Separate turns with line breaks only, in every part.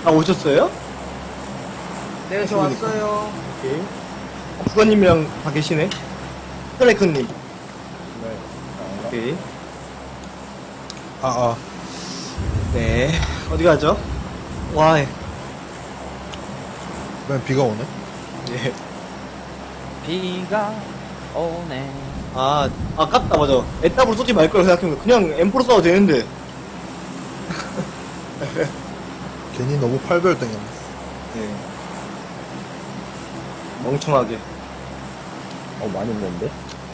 아, 오셨어요?
네, 저 왔어요.
오케이. 부관님이랑 다 계시네. 스트라이크님.
네.
오케이.
네.
어디 가죠? 와, 예.
맨 비가 오네?
예.
비가 오네.
아, 아깝다, 맞아. 애답으로 쏘지 말 걸 생각해보면 그냥 M4로 쏴도 되는데.
괜히 너무 팔별 땡겼네.
예. 멍청하게.
많이 있는데?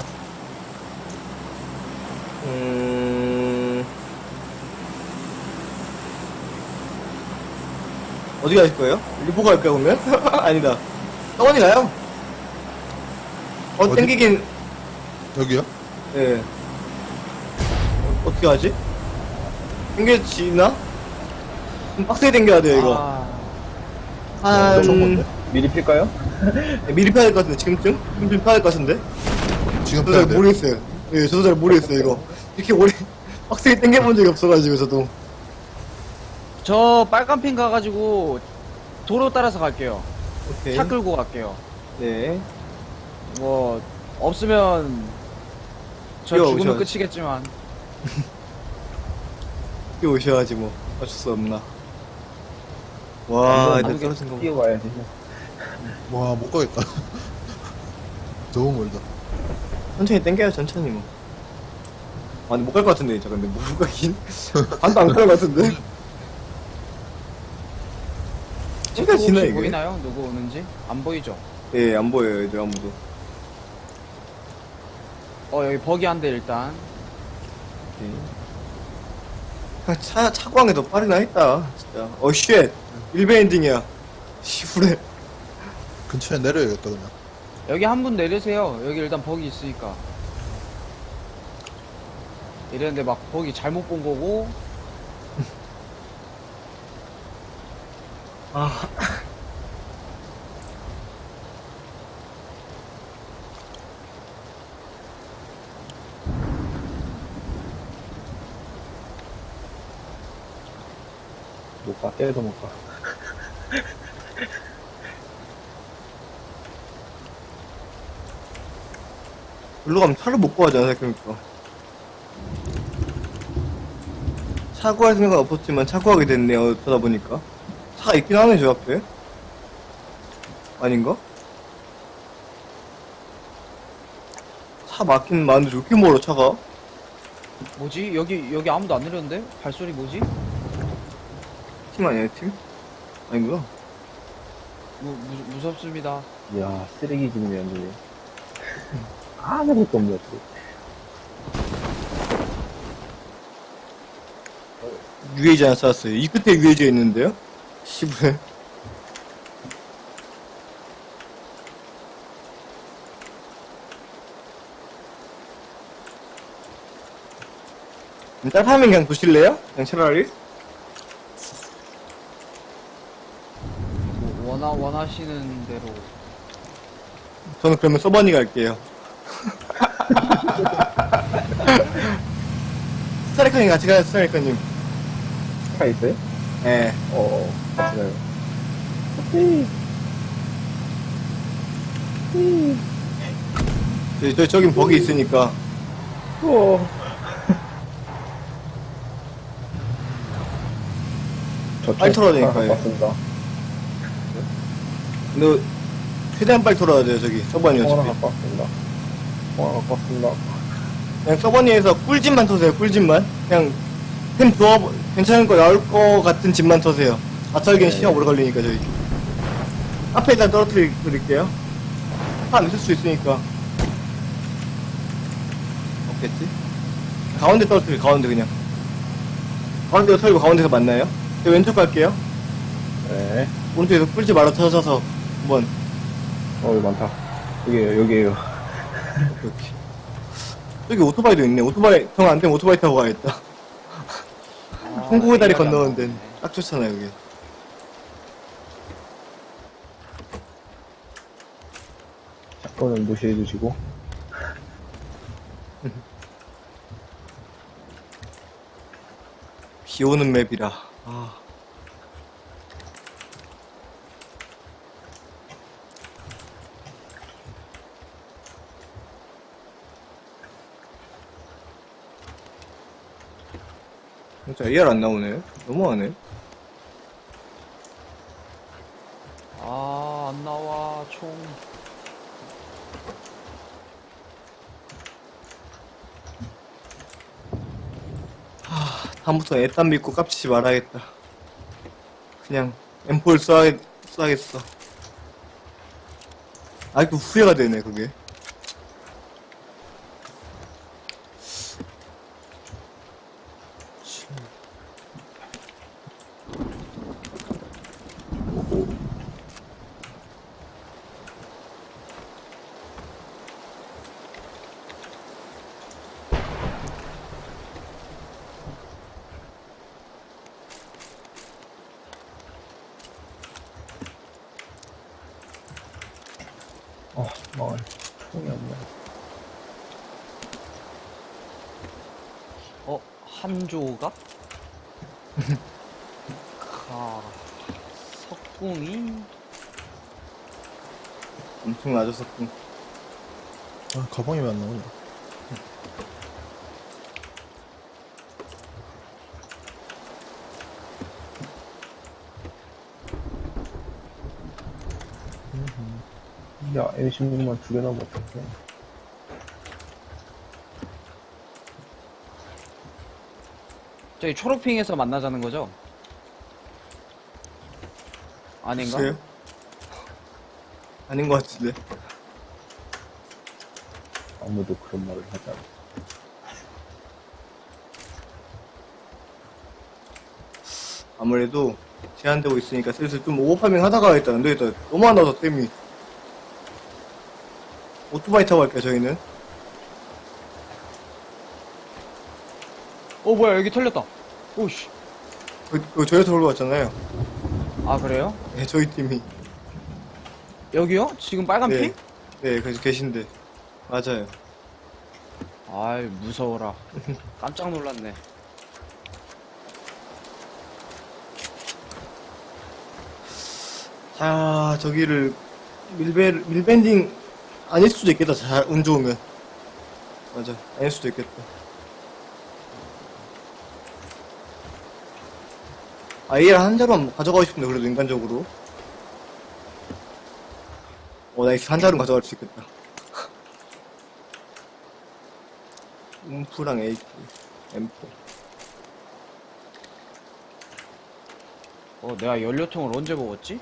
어디 가실 거예요? 리포 갈까요, 그러면? 아니다. 서원이 가요?
어디?
땡기긴,
여기요?
예. 어떻게 하지? 땡겨지나? 좀 빡세게 땡겨야 돼요, 이거.
엄청 먼데?
미리 필까요?
미리 펴야 될 것 같은데, 지금쯤? 지금쯤 펴야 될 것 같은데?
지금
저도
빼야
잘
돼.
모르겠어요. 예, 저도 잘 모르겠어요, 이거. 이렇게 오래, 빡세게 땡겨본 적이 없어가지고, 저도.
저 빨간 핀 가가지고 도로 따라서 갈게요.
오케이.
차 끌고 갈게요.
네.
뭐 없으면 저 죽으면
오셔야지.
끝이겠지만.
뛰어 오셔야지, 뭐. 어쩔 수 없나. 와,
완전
이제 떨어진 거. 봐.
뛰어와야지.
와, 못 가겠다. 너무 멀다.
천천히 땡겨요, 천천히, 뭐. 아니, 못 갈 것 같은데, 진짜. 근데 못 가긴. 반도 안 갈 것 같은데? 진짜
혹시
지나, 이게?
보이나요? 누구 오는지? 안 보이죠?
예, 안 보여요, 애들 아무도.
여기 버기 한 대 일단.
그냥 차광에 더 빠르나 했다, 진짜. 쉣. 일베 엔딩이야. 시부레.
근처에 내려야겠다, 그냥.
여기 한 분 내리세요. 여기 일단 버기 있으니까. 이랬는데 막 버기 잘못 본 거고.
아.
못 가, 때려도 못 가.
일로 가면 차를 못 구하잖아, 생각해보니까. 차 구할 생각은 없었지만 차 구하게 됐네요, 어쩌다 보니까. 차가 있긴 하네, 저 앞에. 아닌가? 차 막힌 많은데 왜 이렇게 멀어, 차가?
뭐지? 여기 아무도 안 내렸는데? 발소리 뭐지?
팀 아니야, 팀? 아닌구나.
무섭습니다.
이야, 쓰레기 지금이 완전히. 아무것도 없네, 어떻게.
UAG 하나 쐈어요. 이 끝에 UAG가 있는데요? 시부레. 딸파면 그냥 두실래요? 그냥 차라리?
뭐 원하시는 대로.
저는 그러면 서버니 갈게요. 스타리커님 같이 가요, 스타리커님.
차 있어요?
예.
같이 가요.
저긴 버기 있으니까. 빨리 털어야 되니까요.
맞습니다.
너, 최대한 빨리 돌아야 돼요, 저기. 서버니
하나
어차피.
갖고 왔습니다. 하나 갖고 왔습니다.
그냥 서버니에서 꿀집만 터세요, 꿀집만. 그냥, 템 좋아, 괜찮은 거 나올 거 같은 집만 터세요. 아철기는 시간 오래 걸리니까, 저기. 앞에 일단 떨어뜨릴게요. 차 안 있을 수 있으니까. 없겠지? 가운데 떨어뜨려, 가운데 그냥. 가운데로 털고 가운데서 만나요? 저 왼쪽 갈게요.
네.
오른쪽에서 꿀집 알아 터져서 한번.
여기 많다. 여기에요.
오케이. 여기 오토바이도 있네. 오토바이, 정 안 되면 오토바이 타고 가야겠다. 홍콩의 다리
생각이 안
건너는 데는
나네.
딱 좋잖아, 여기.
사건은 무시해 주시고.
비 오는 맵이라. 아. 진짜 AR 안 나오네. 너무하네.
아, 안 나와, 총.
다음부터 애딴 믿고 깝치지 말아야겠다. 그냥 M4를 써야겠어. 아직도 후회가 되네, 그게.
망할. 총이 없네.
한 조각? 석궁이?
엄청 낮았었군.
아, 가방이 왜 안 나오냐.
야, M16만 2개 나면 어떡해.
저기 초록핑에서 만나자는 거죠? 아닌가?
글쎄요? 아닌 것 같은데.
아무도 그런 말을 하지 않아.
아무래도 제한되고 있으니까 슬슬 좀 오버파밍 하다가 일단 안 되겠다. 너무 안 나와서 땜이. 오토바이 타고 갈게요, 저희는.
뭐야, 여기 털렸다. 오씨.
그거 저희한테 올라왔잖아요
아, 그래요?
네, 저희 팀이.
여기요? 지금 빨간
네.
핑?
네, 그래서 계신데. 맞아요.
아이, 무서워라. 깜짝 놀랐네.
자, 저기를 밀밴딩 아닐 수도 있겠다. 잘 운 좋으면. 맞아, 아닐 수도 있겠다. AR 한 자루만 가져가고 싶은데 그래도 인간적으로. 나이스, 한 자루 가져갈 수 있겠다. 움프랑 AK, M4.
내가 연료통을 언제 먹었지?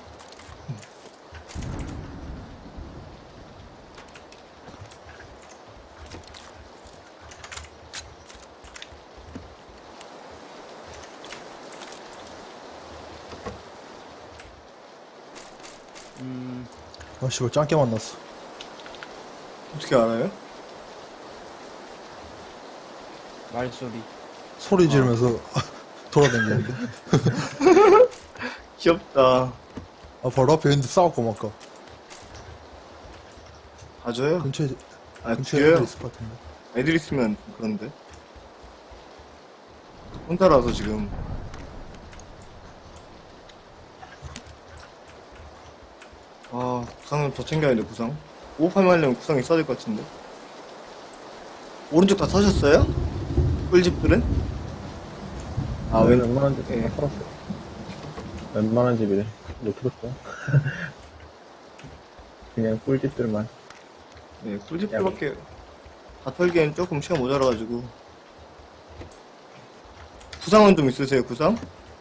아, 씨발, 짱게 만났어.
어떻게 알아요?
말소리.
소리 지르면서 돌아다니는데.
귀엽다.
아, 바로 앞에 있는데 싸웠고, 막, 아까.
가져요?
근처에,
아,
근처에
죽여요?
애들 있을 것 같은데.
애들 있으면 그런데. 혼자라서 지금. 구상 좀 더 챙겨야 돼, 구상. 오버파밍 하려면 구상 있어야 될 것 같은데. 오른쪽 다 사셨어요? 꿀집들은?
웬만한 집
예.
다 털었어요. 웬만한 집이래. 못 들었어. 그냥 꿀집들만.
네, 꿀집들밖에 다 털기엔 조금 시간 모자라가지고. 구상은 좀 있으세요, 구상?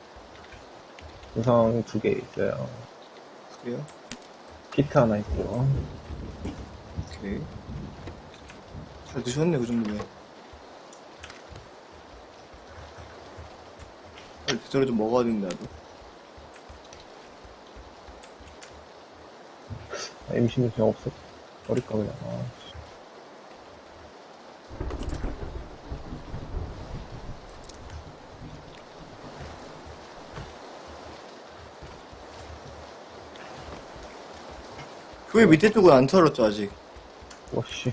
우상 2개 있어요.
그래요?
키트 하나 있고요.
오케이. 잘 드셨네, 그 정도면. 빨리 제대로 좀 먹어야 된다, 나도.
M16 그냥 없어. 버릴까, 그냥.
교회 밑에 쪽은 안 털었죠, 아직.
와씨.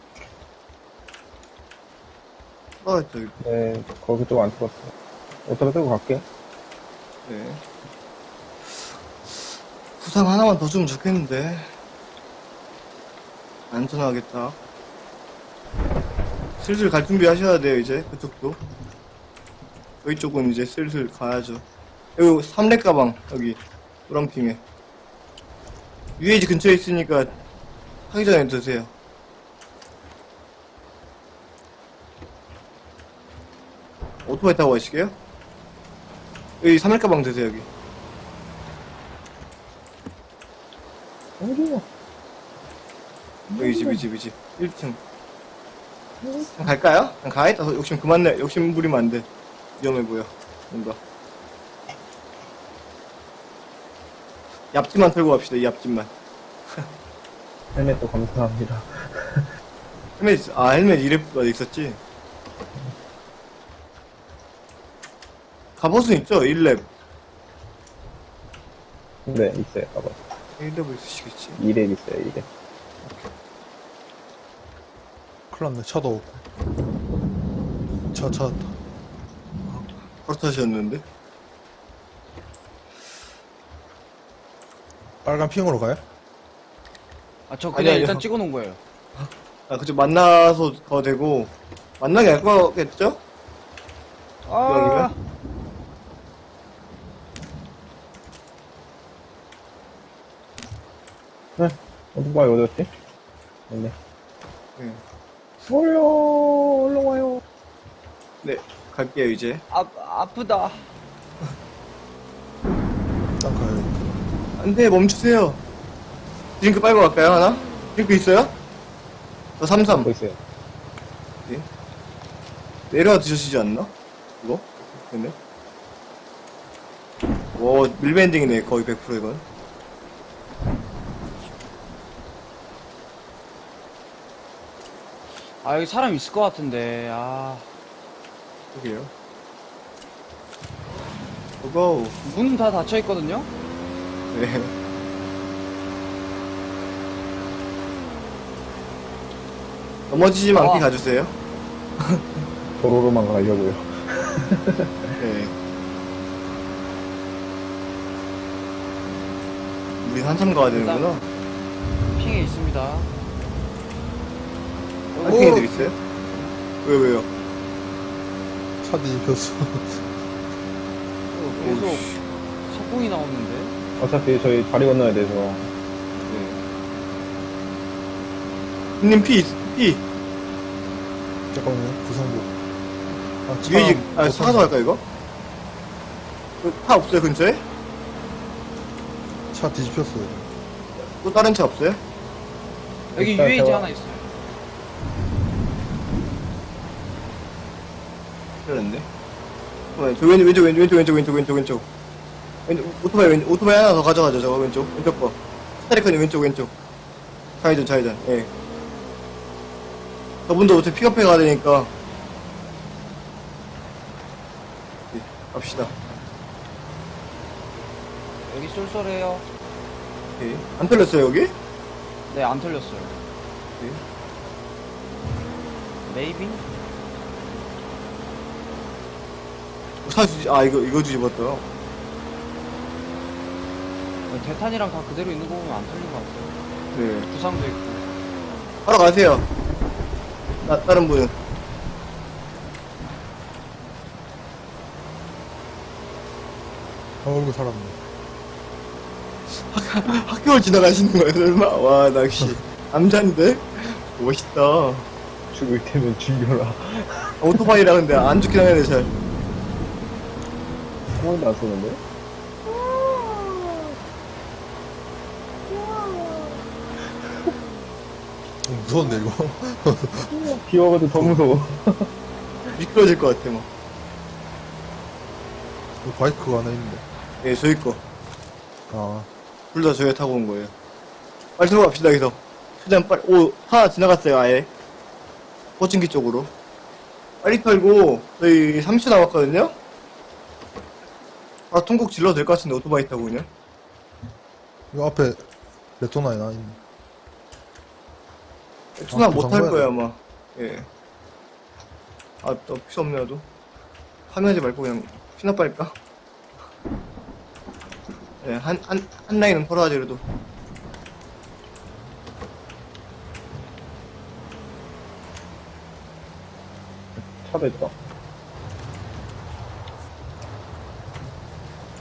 저기.
네, 거기 좀 안 털었어. 어디다 들고 갈게.
네. 구상 하나만 더 주면 좋겠는데. 안전하겠다. 슬슬 갈 준비 하셔야 돼요, 이제. 그쪽도. 저희 쪽은 이제 슬슬 가야죠. 여기 3렙 가방, 여기, 노랑핑에. UAG 근처에 있으니까, 하기 전에 드세요. 오토바이 타고 가시게요? 여기 3렙 가방 드세요, 여기.
어디야?
여기 집. 1층. 그냥 갈까요? 그냥 가야겠다. 욕심 그만 내. 욕심 부리면 안 돼. 위험해 보여. 뭔가. 얍집만 털고 갑시다, 이 얍집만.
헬멧도 감사합니다.
헬멧 2렙가 있었지? 갑옷은 있죠? 1렙.
네, 있어요. 봐봐.
1렙을 있으시겠지?
2렙 있어요, 2렙.
큰일 났네. 차도 없고. 차.
바로 타셨는데?
빨간 핑으로 가요?
아, 저
아니,
그냥
아니요.
일단 찍어놓은 거예요.
그쪽 만나서 가도 되고, 만나게 할 거겠죠?
아,
오토바이 어디였지? 네.
네.
얼른 와요.
네, 갈게요, 이제.
아프다.
일단 가야겠다.
안 돼, 멈추세요. 드링크 빨고 갈까요, 하나? 드링크 있어요? 저 33.
하고 있어요.
내려와 드시지 않나? 이거? 근데? 오, 밀밴딩이네, 거의 100% 이건.
아, 여기 사람 있을 것 같은데,
여기요. 고고.
문 다 닫혀있거든요?
네. 넘어지지 않게 가주세요.
도로로만 가려고요.
네. 우리 한참 가야 되는구나.
핑에 있습니다.
파이팅 애들 있어요? 왜요?
차 뒤집혔어.
계속
오우씨.
석궁이 나오는데?
어차피 저희 다리 건너야 돼서.
네. 형님 피.
잠깐만요. 구성복. 아, 차.
위에 사가서 갈까 이거? 차 없어요 근처에?
차 뒤집혔어요.
또 다른 차 없어요?
여기
일단
UAG
제가-
하나 있어요.
그랬는데. 저 왼쪽. 오토바이 하나 더 가져가죠 저거 왼쪽 거. 스타리커님 왼쪽. 좌회전. 예. 저분도 어차피 픽업해 가야 되니까. 예, 갑시다.
여기 쏠쏠해요.
예. 안 털렸어요 여기?
네, 안 털렸어요.
예.
메이비?
이거 뒤집었다.
대탄이랑 다 그대로 있는 거 보면 안 털린 것 같아요.
네.
부상도 있고.
하러 가세요. 다른 분은.
얼굴 살았네.
학교를 지나가시는 거예요, 설마? 와, 나 역시, 남잔데? 멋있다.
죽을 테면 죽여라.
오토바이라 근데 안 죽긴 하네, 잘.
총알도 안 쏘는데?
무서운데, 이거?
비 와가지고 더 무서워.
미끄러질 것 같아, 막.
여기 바이크가 하나 있는데.
예, 저희 거.
아,
둘 다 저희가 타고 온 거예요. 빨리 들어갑시다, 여기서. 최대한 빨리, 하나 지나갔어요, 아예. 포칭기 쪽으로. 빨리 털고, 저희 30초 남았거든요? 통곡 질러도 될 것 같은데, 오토바이 타고 그냥.
이 앞에 레토나에 나 있네.
투나
부상
못할
봐야
거야,
돼.
아마. 예. 또 필요 없네, 나도. 파밍하지 말고 그냥 피나 빨까? 예, 한 라인은 털어야지, 그래도.
차도 있다.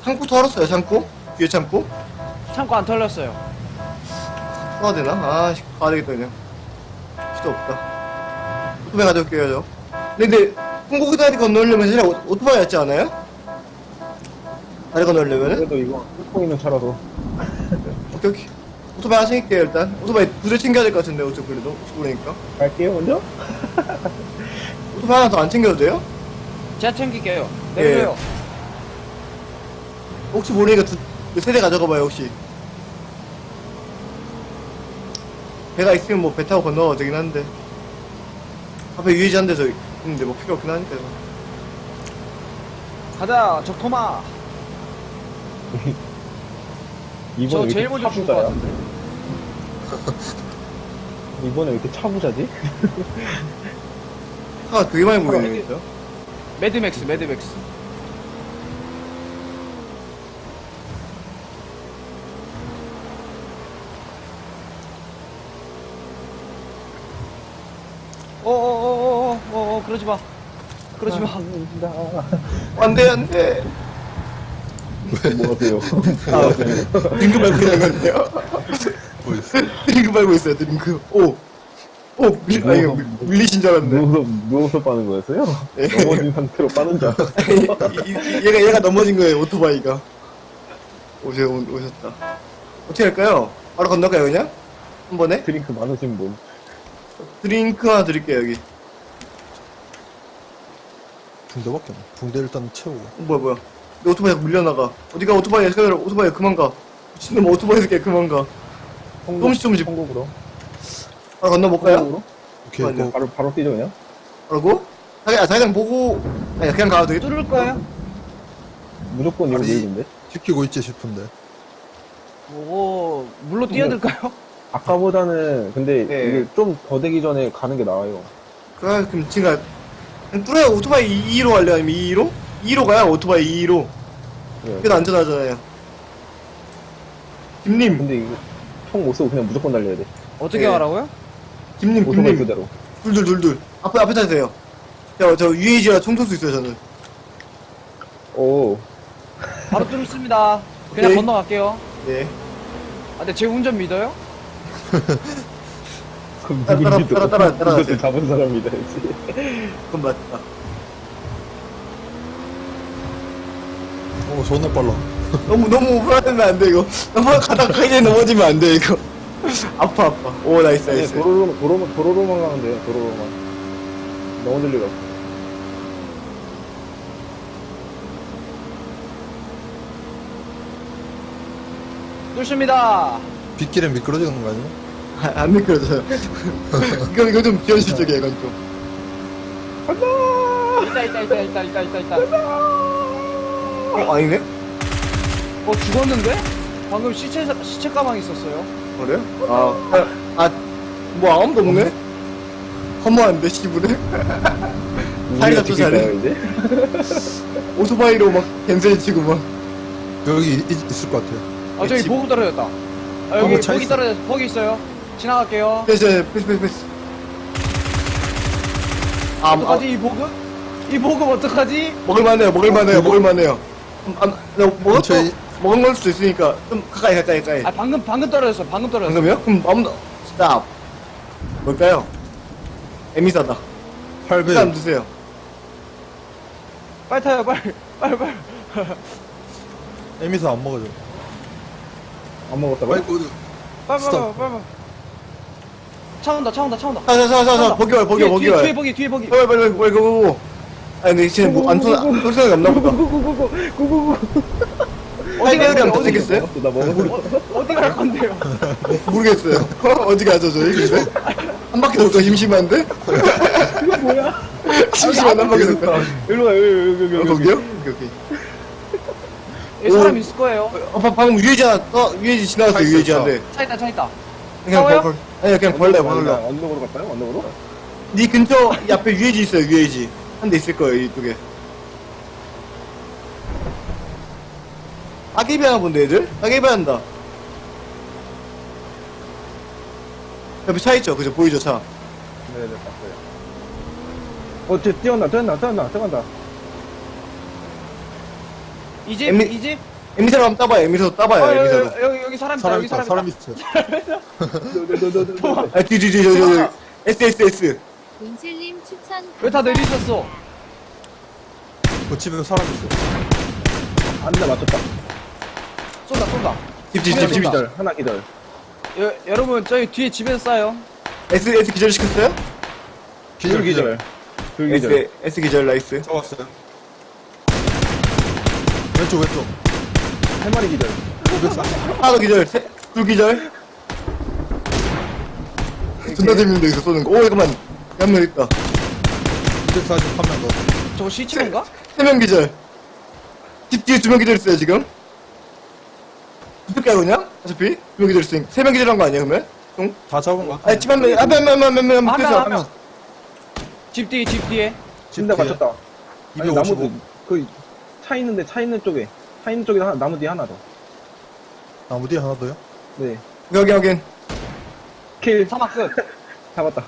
창고 털었어요, 창고? 뒤에 창고?
창고 안 털렸어요.
털어야 되나? 아, 가야 되겠다, 그냥. 필요 없다. 오토바이 가져올게요, 저. 근데, 풍고기 다리 건너려면 사실 오토바이 였지 않아요? 다리 건너려면은?
그래도 이거 뚫고 있는 차라서.
오케이, 오케이. 오토바이 하나 챙길게요, 일단. 오토바이 두 대 챙겨야 될 것 같은데, 어차피 그래도. 혹시 모르니까.
갈게요, 먼저?
오토바이 하나 더 안 챙겨도 돼요?
제가 챙길게요. 내려요.
혹시 모르니까 세 대 가져가봐요, 혹시. 배가 있으면 뭐 배 타고 건너가도 되긴 한데. 앞에 유해지 한 대서 있는데 뭐 필요 없긴 하니까.
가자, 적토마.
이번에
저
왜
제일
이렇게
먼저 죽을 것
차부자야?
같은데.
이번에 왜 이렇게 차부자지?
차가 되게 많이 보이네요, 진짜.
매드맥스, 매드맥스. 그러지 마. 그러지 마.
안 돼, 안 돼.
뭐 하세요?
아, 드링크 밟고 있는 건데요.
뭐 있어?
드링크 밟고 있어요, 드링크. 오, 아니, 밀리신 줄 알았네.
누워서 빠는 거였어요?
예.
넘어진 상태로 빠는 줄 알았어.
얘가 넘어진 거예요, 오토바이가. 오셨다. 어떻게 할까요? 바로 건너가요, 그냥? 한 번에?
드링크 많으신 분.
드링크 하나 드릴게요, 여기.
붕대밖에 없네. 붕대 일단 채우고.
뭐야. 내 오토바이가 밀려나가. 어디가 오토바이야, 오토바이야, 그만 가. 미친놈 오토바이 새끼야, 그만 가. 조금씩.
한국으로.
바로 건너볼까요?
한국으로?
오케이,
아니요.
고.
바로 뛰죠, 그냥?
그러고? 자기장 보고, 아니, 그냥 가도 되겠다.
뚫을 거예요?
무조건 이거
아니.
밀리는데?
지키고 있지 싶은데.
물로 뛰어들까요?
아까보다는, 근데
네.
이게 좀 더 되기 전에 가는 게 나아요.
그럼 지금 그냥 뚫어요. 오토바이 2로 갈래요? 아니면 2로? 2로 가요, 오토바이 2로.
네.
그게 더 안전하잖아요. 김님,
근데 이거 총 못 쓰고 그냥 무조건 달려야 돼.
어떻게
네.
하라고요?
김님.
오토바이 그대로.
둘. 앞에 타세요. 저 UAG라 총 쏠 수 있어요, 저는.
오.
바로 뚫습니다. 그냥
오케이.
건너갈게요.
네.
아, 근데 제 운전 믿어요?
그럼
따라-
누군지도
따라- 따라- 따라-
이것도 잡은 사람이다지.
그건 맞다.
존나 빨라.
너무 불안하면 안 돼, 이거. 너무 가다가 이제 넘어지면 안 돼, 이거. 아파. 오, 나이스.
도로로만 가면 돼요, 도로로만. 너무 들리가.
뚫습니다.
빗길에 미끄러지는 거 아니야?
안 미끄러져요. 이거 좀 비현실적이야, 이건 좀.
있다.
아니네?
죽었는데? 방금 시체 가방 있었어요.
그래요? 뭐 아무도 없네? 허무한데, 시부네? 사이가 또 잘해.
이제?
오토바이로 막 겐세 치고 막.
여기 있을 것 같아.
아, 저기
집-
보급 떨어졌다. 아, 여기
차
보기
있어.
거기 있어요. 지나갈게요.
패스.
어떡하지, 이 보급? 이 보급 어떡하지?
먹을만해요.
근처에-
먹은 걸 수도 있으니까, 좀 가까이.
아, 방금 떨어졌어.
방금요? 그럼 아무도, 스탑. 뭘까요? 에미사다.
8배.
일단 드세요.
빨리 타요, 빨리.
에미사 안 먹어줘.
안 먹었다고?
아이고,
빨리.
스톱.
차 온다.
자, 버기 와.
뒤에 보기.
빨리, 그거. 아니, 근데 쟤 뭐, 안 쏠 생각이 없나 보다.
어디 갈
할배율이 안
건데?
생겼어요?
나 먹었어.
어디 갈 건데요?
모르겠어요. 어디 가죠, 저희? 근데? 한 바퀴 돌까 심심한데?
이거 뭐야?
심심한데 한 바퀴 돌까?
일로 와, 여기.
거기요? 오케이.
여기 사람 있을 거예요.
방금 유해지 지나갔어요,
차 있어,
유해지한테.
차 있다.
그냥
싸워요?
아니, 그냥 벌레.
언덕으로 갈까요? 언덕으로?
니 근처, 이 앞에 유해지 있어요, 유해지. 한 대 있을 거예요, 이쪽에. 따개비 하나 본데, 애들? 따개비 한다. 옆에 차 있죠? 그죠? 보이죠, 차?
네네, 봤어요. 쟤 뛰어간다.
이 집?
애미-
이 집?
에미사로 한번 따봐요. 에미사로 따봐요.
아,
에미사로.
여기 사람 있다.
사람
여기
있다,
사람
사람
있다.
있어.
아, 뒤. S.
문슬님 추천.
왜 다 내리셨어?
그 집에 사람 있어.
한 대 맞췄다.
쏜다.
집.
기절, 하나 기절.
여러분 저희 뒤에 집에서 쏴요.
S 기절 시켰어요?
둘 기절. 둘 기절.
S 기절 나이스.
잡았어요. 왼쪽.
세 마리 기절.
540.
하나 더 기절. 둘 기절. 존나 재밌는데 여기서 쏘는 거. 오 잠깐만. 한 명 있다.
240 한 명 더.
저거 시체인가?
3명 기절. 집 뒤에 2명 기절 있어요 지금. 어떻게 그냥? 어차피 2명 기절 있으니까 3명 기절한 거 아니야 그러면? 응?
다 잡은 거 같아.
아니 집한 명, 한명
한 명. 집 뒤에.
한 대 맞췄다. 아니,
255.
나무, 차 있는데, 차 있는 쪽에 하나, 나무 뒤에 하나 더.
나무 뒤에 하나 더요?
네.
확인.
킬.
사막 끝.
잡았다.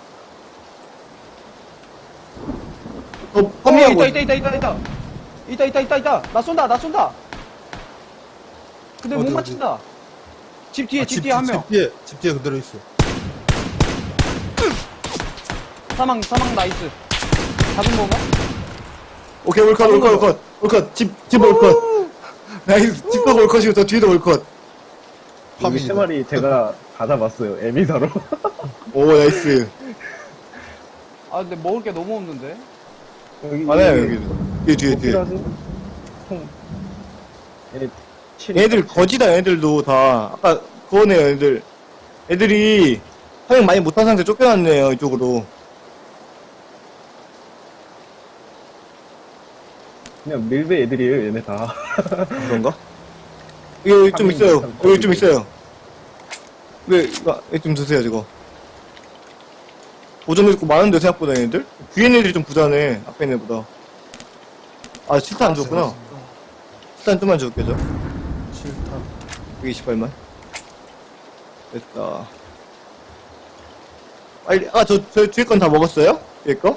펌이하고.
있다. 나 쏜다. 근데 못
어디?
맞춘다. 집 뒤에
아,
한 명.
집 뒤에 그대로 있어.
사망 나이스. 잡은 건가?
오케이 올컷. 집 올컷. 나이스. 집도 올컷이고 저 뒤에도 올컷.
여기
파밍이다.
세 마리 제가 다 잡았어요. 에미사로.
오 나이스.
아 근데 먹을 게 너무 없는데.
여기.
많아요 여기. 뒤에.
필요하세요? 총. 얘네 7.
얘들 거지다 얘들도 다. 아까 그거네요 애들이 사용 많이 못한 상태 쫓겨났네요 이쪽으로.
그냥 밀배 애들이에요, 얘네 다.
그런가? 여기 좀 있어요. 여기 좀 있어요. 여기 좀 드세요, 저거. 오전에 있고 많은데, 생각보다 얘네들? 뒤에 애들이 좀 부자네, 앞에 애들보다. 아, 7탄 안 줬구나. 7탄 좀만 줄게, 저.
7탄.
128만. 됐다. 빨리, 저 뒤에 건 다 먹었어요? 뒤에 거?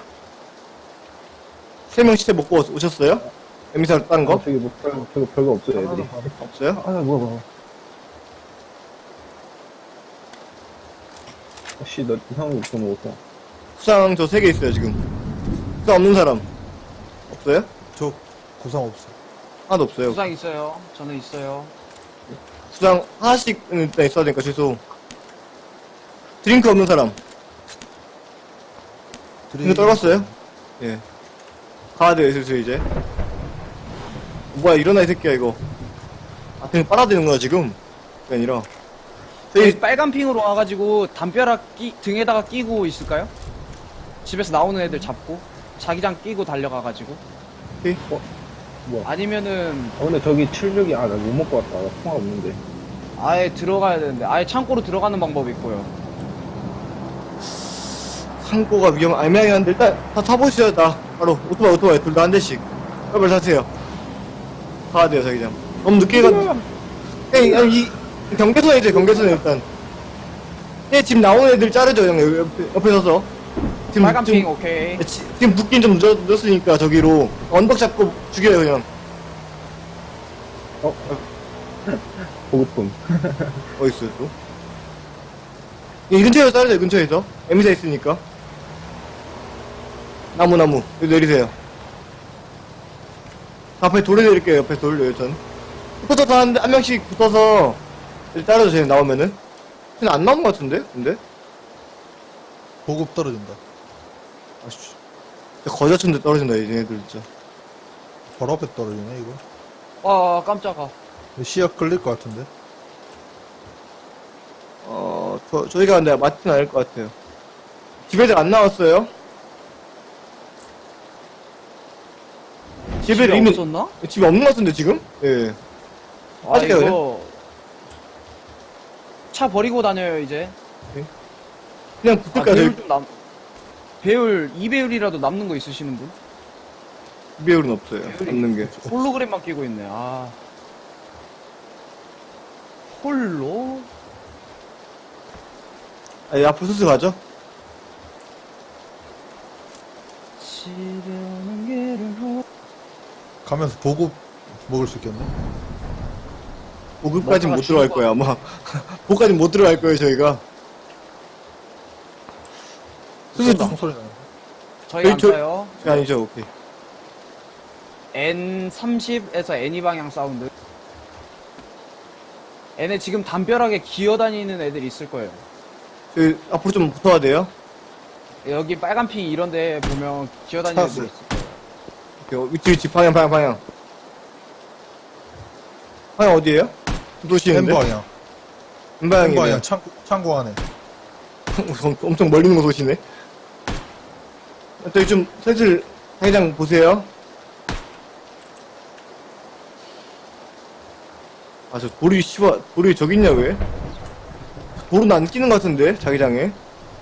3명 시체 먹고 오셨어요? 에미사로 딴 거?
저기 별거 없어요, 애들이.
없어요?
뭐야. 씨, 너 이상한 거 먹었어.
수상 저 3개 있어요, 지금. 수상 없는 사람. 없어요?
저 구상 없어.
하나도 없어요.
부상 있어요. 저는 있어요.
수상 하나씩은 일단 있어야 되니까 최소. 드링크 없는 사람. 이거 떨궜어요? 예. 가야 돼요, 슬슬 이제. 뭐야, 일어나, 이 새끼야, 이거. 아, 그냥 빨아대는구나, 지금. 그게 아니라.
저희 빨간 핑으로 와가지고 담벼락 등에다가 끼고 있을까요? 집에서 나오는 애들 잡고 자기장 끼고 달려가가지고
오케이.
뭐야.
아니면은
근데 저기 76이, 나 못 먹고 왔다. 나 통화 없는데.
아예 들어가야 되는데 아예 창고로 들어가는 방법이 있고요.
창고가 애매하긴 한데, 일단 다 타보시죠, 다. 바로. 오토바이, 둘 다 한 대씩. 빨리 타세요. 가야 돼요, 자기장. 너무 늦게 아니, 경계선에 이제 경계선에 일단. 집 나오는 애들 자르죠, 형. 옆에 서서. 지금,
빨간 핑 오케이.
지금 붙긴 좀 늦었으니까, 저기로. 언덕 잡고 죽여요, 그냥.
보급품.
어딨어요, 또? 이 근처에서 자르죠, 이 근처에서. 에미사 있으니까. 나무. 여기 내리세요. 앞에 돌에 내릴게요, 옆에 돌, 여기선. 붙어서 한 명씩 붙어서, 자르죠, 쟤 나오면은. 쟤는 안 나온 것 같은데? 근데?
보급 떨어진다.
아씨. 거지 같은데 떨어진다, 얘네들 진짜.
바로 앞에 떨어지네, 이거.
아 깜짝아.
시야 끌릴 것 같은데.
저희가 근데 맞진 않을 것 같아요. 집애들 안 나왔어요? 집애들
집에
이미,
없었나?
집에 없는 것 같은데, 지금? 예.
아
아직까지
이거 차 버리고 다녀요 이제.
그냥
아,
붙을까요,
배율
저희?
좀 남. 배율 2배율이라도 남는 거 있으시는 분?
배율은 없어요. 없는 게.
홀로그램만 끼고 있네. 아. 홀로?
아니, 앞으로 슬슬 가죠?
지려는 길을
가면서 보급 먹을 수 있겠네.
보급까지
뭔가가
못 들어갈
죽은
거야, 아마. 보급까지 못 들어갈 거예요, 저희가. 수술
총소리 나요.
저희 안
저-
써요.
아니죠, 오케이.
N30에서 N2 방향 사운드. 얘네 지금 담벼락에 기어다니는 애들 있을 거예요.
저희 앞으로 좀 붙어야 돼요.
여기 빨간 핑 이런데 보면 기어다니는 애들
찾았어요.
있을 거예요.
오케이, 위치, 방향. 방향 어디에요? 도시인데?
N방향.
N방향이에요.
N방향 창고 안에.
엄청 멀리 있는 거 쏘시네. 저기 좀, 슬슬, 자기장 보세요. 아, 저 돌이 저기 있냐, 왜? 돌은 안 끼는 것 같은데, 자기장에.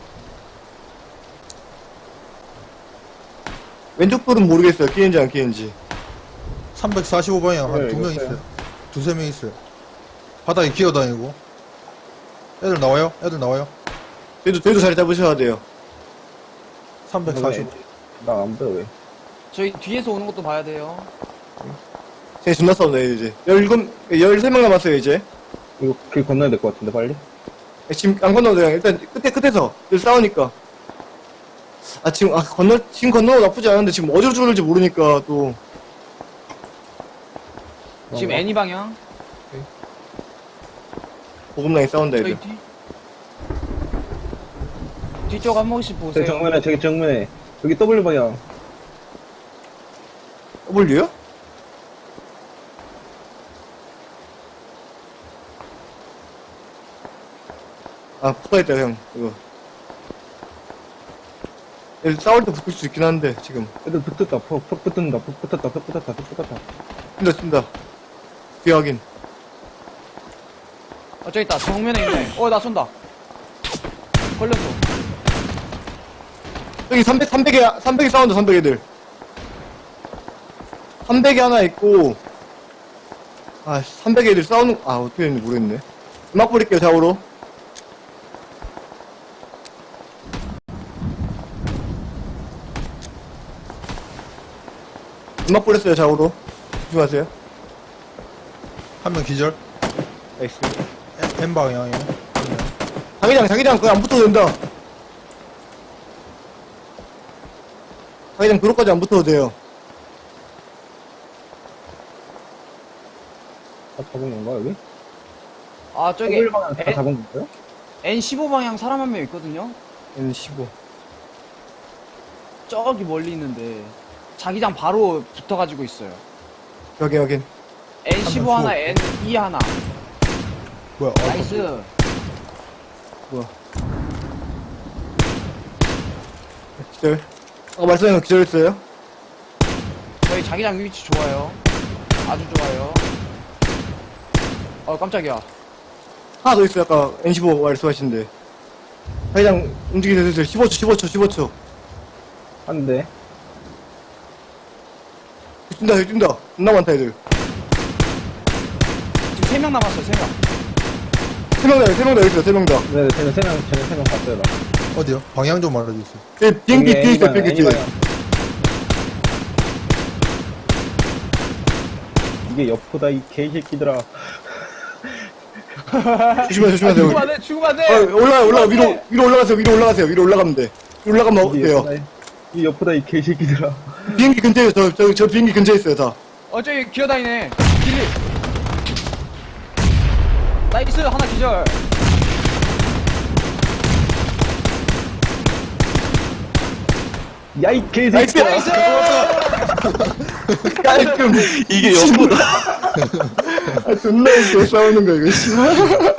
왼쪽 돌은 모르겠어요, 끼는지 안 끼는지.
345방향 한
네,
두 명
있어요.
있어요. 두세 명 있어요. 바닥에 기어다니고. 애들 나와요?
저희도 자리 잡으셔야 돼요.
345.
나 안 보여, 왜?
저희 뒤에서 오는 것도 봐야 돼요.
쟤 존나 싸우네, 이제. 13명 남았어요, 이제.
이거 길 건너야 될 것 같은데, 빨리?
지금 안 건너도 돼요. 일단 끝에서 여기 싸우니까. 지금 건너도 나쁘지 않은데 지금 어디로 줄을지 모르니까 또.
지금 N2 방향.
보급랑이 싸운다,
저희
애들.
뒤쪽 한 번씩 보세요.
저기 정면에. 여기 W 방향.
W요? 붙어있다, 형. 이거. 얘들 싸울 때 붙을 수 있긴 한데, 지금.
애들 붙었다, 퍽 붙는다, 퍽 붙었다.
뛴다. 뒤에 확인.
저기 있다. 정면에 있네. 나 쏜다. 걸렸어.
여기 300에 싸운다, 300애들. 300에 하나 있고, 300애들 싸우는, 어떻게 됐는지 모르겠네. 음악 뿌릴게요, 좌우로. 음악 뿌렸어요, 좌우로. 조심하세요.
한 명 기절.
나이스.
N방향이요.
자기장, 그거 안 붙어도 된다. 자기장 그로까지 안 붙어도 돼요.
다 잡은 건가, 여기?
저기
W 방향 다 잡은 건가요?
N15 방향 사람 한 명 있거든요.
N15.
저기 멀리 있는데 자기장 바로 붙어가지고 있어요.
확인.
N15 하나, N2 하나.
뭐야?
나이스.
기절. 말씀하신 거 기절했어요?
저희 자기장 위치 좋아요. 아주 좋아요. 깜짝이야.
하나 더 있어요, 아까 N15 말씀하신데. 자기장 움직이세요, 15초.
한 대.
뛴다. 존나 많다, 애들.
지금 3명 남았어요, 3명.
3명 다 있어요, 3명 다.
네, 쟤네 세 명 봤어요, 나.
어디요? 방향 좀 알려주세요.
비행기
여기
뒤에 있어요,
N방향,
비행기 뒤에.
N방향. 이게 여포다, 이 개새끼들아.
조심하세요.
죽으면 안 돼.
올라가, 위로 올라가세요. 위로 올라가면 돼. 위로 올라가면
이게
돼요.
여포다, 이 여포다, 이 개새끼들아.
비행기 근처에 있어요, 저 비행기 근처에 있어요, 다.
저기 기어다니네. 길리. 나이스, 하나 기절.
야, 이 개새끼야.
나이스! 깔끔.
이게 여포다.
존나 웃겨, 싸우는 거, 이거, 씨발.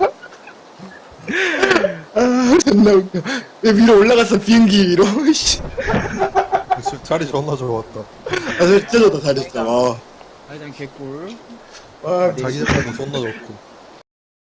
존나 웃겨. 왜 위로 올라갔어, 비행기 위로, 씨.
자리 존나 좋았다.
진짜 좋다, 잘했어. 와.
자기장 개꿀.
와,
자기 자리도 존나 좋고.